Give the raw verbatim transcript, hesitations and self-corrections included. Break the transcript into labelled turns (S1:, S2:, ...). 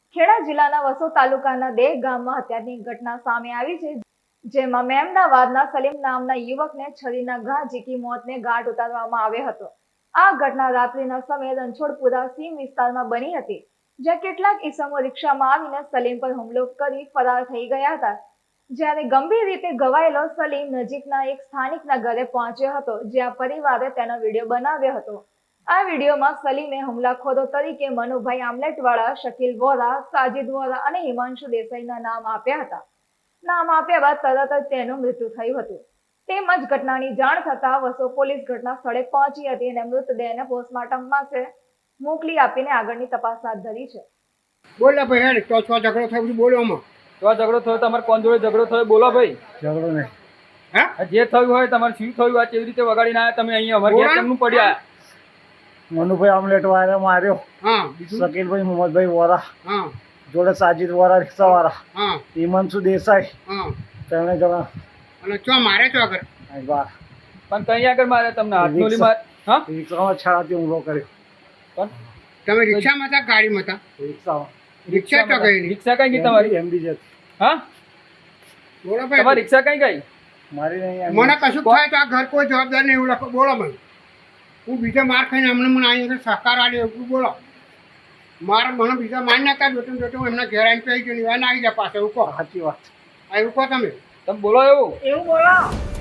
S1: ખેડા જિલ્લાના વસો તાલુકાના દેહ ગામમાં હત્યાની ઘટના સામે આવી છે, જેમાં મેમદાવાદના સલીમ નામના યુવકને છરીના ઘા ઝીકી મોતને ઘાટ ઉતારવામાં આવ્યો હતો. આ ઘટના રાત્રિના સમયે રણછોડપુરા સીમ વિસ્તારમાં બની હતી, જ્યાં કેટલાક ઈસમો રિક્ષામાં આવીને સલીમ પર હુમલો કરી ફરાર થઈ ગયા હતા. જ્યારે ગંભીર રીતે ઘવાયેલો સલીમ નજીકના એક સ્થાનિકના ઘરે પહોંચ્યો હતો, જ્યાં પરિવારે તેનો વિડીયો બનાવ્યો હતો. આ વિડીયોમાં સલીમે હુમલાખોરો તરીકે મનુભાઈ આમલેટવાળા, શકીલ વોરા, સાજિદ વોરા અને હિમાંશુ દેસાઈના નામ આપ્યા હતા. નામ આપ્યા બાદ તરત જ તેનું મૃત્યુ થયું હતું. તેમજ ઘટનાની જાણ થતા વસો પોલીસ ઘટના સ્થળે પહોંચી હતી અને મૃતદેહને પોસ્ટમોર્ટમ માટે મોકલી આપીને આગળની તપાસ હાથ ધરી છે.
S2: બોલો ભાઈ હેડ તો છો ઝઘડો થયો બધું બોલો આમાં
S3: તો ઝઘડો થયો તમારે કોણ જોડે ઝઘડો થયો બોલો ભાઈ.
S2: ઝઘડો નહીં
S3: હા જે થયું હોય તમારે શું થયું આ કેવી રીતે વગાડીને આવ્યા તમે અહીંયા અમારે ઘેર કેમનું પડ્યા?
S4: મનુભાઈ આમલેટ વાળા માર્યો.
S2: હા
S4: શકીલભાઈ મોહમ્મદભાઈ વોરા
S2: હા
S4: જોડે સાજિદ વોરા રિક્ષા વાળા,
S2: હા
S4: હિમાંશુ દેસાઈ,
S2: હા
S4: ત્રણે જણા
S2: અને ચો મારે ચો આગળ
S4: અહીં બહાર
S3: પણ કઈ આગળ મારે તમને હાથનોલી માર હા
S4: રિક્ષામાં છાડાથી હુમલો કર્યો.
S3: પણ
S2: તમે રિક્ષામાં હતા ગાડીમાં હતા?
S4: રિક્ષામાં
S2: રિક્ષા તો ગઈ નહીં.
S3: રિક્ષા કઈ ગઈ તમારી?
S4: એમડી જતી
S3: હા
S2: બોલો
S3: તમારી
S2: ભાઈ
S3: રિક્ષા કઈ ગઈ?
S4: મારી નહીં
S2: મને કશું થાય તો આ ઘર કોઈ જવાબદાર નહીં એવું લખો. બોલો મને હું બીજા માર ખાઈને અમને મને અહીં આગળ સહકાર આડે એવું બોલો. મારા મને બીજા માર નાખતા જોતું જોતું એમના ઘેર આવીને કહી ગયું ના આવી જાય પાછળ એવું કહો.
S4: સાચી વાત.
S2: આ એવું કહો તમે
S3: તમે બોલો એવું
S1: એવું બોલો.